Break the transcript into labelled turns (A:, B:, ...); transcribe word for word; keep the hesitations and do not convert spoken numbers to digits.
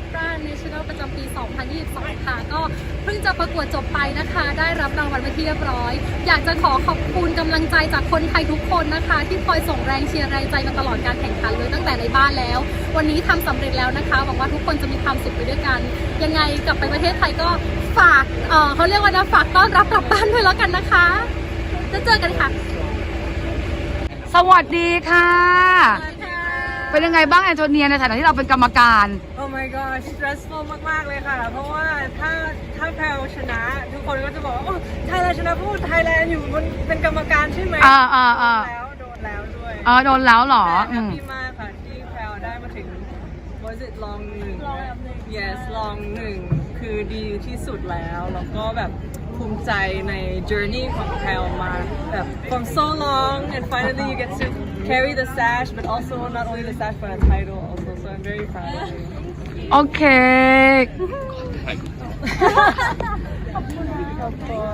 A: Opera National ประจำปี สองพันยี่สิบสอง ค่ะก็เพิ่งจะประกวดจบไปนะคะได้รับรางวัลไปที่เรียบร้อยอยากจะขอขอบคุณกำลังใจจากคนไทยทุกคนนะคะที่คอยส่งแรงเชียร์แรงใจมาตลอดการแข่งขันเลยตั้งแต่ในบ้านแล้ววันนี้ทำสำเร็จแล้วนะคะหวังว่าทุกคนจะมีความสุขไปด้วยกันยังไงกลับไปประเทศไทยก็ฝากเอ่อเขาเรียกว่านะฝากต้อนรับกลับบ้านด้วยแล้วกันนะคะจะเจอกันค่ะ
B: สวัสดีค่ะเป็นยังไงบ้างแอนโทเนียในฐานะที่เราเป็นกรรมการ
C: Oh my god stressful มากๆเลยค่ะ เพราะว่าถ้าถ้าแพลชนะทุกคนก็จะบอกว่าโอ้ไทยแลนด์ชนะพูดไทยแลนด์อยู่มันเป็นกรรมการใช่ไหม
B: อ่าอ่าอ่า
C: โดนแล้วโดนแล้วด้วย
B: เออโดนแล้วเหรอ
C: แต่แฮ
B: อื
C: ป
B: ม
C: ปี้มากค่ะที่แพลได้มาถึง was it ลองหนึ่ง yes ลองหนึ่งคือดีที่สุดแล้วแล้วก็แบบภูมิใจใน journey ของแพลมาแบบ from so long and finally you get to carry the sash but also not only the sash but a title also so I'm very proud of you
B: โอเค
C: of course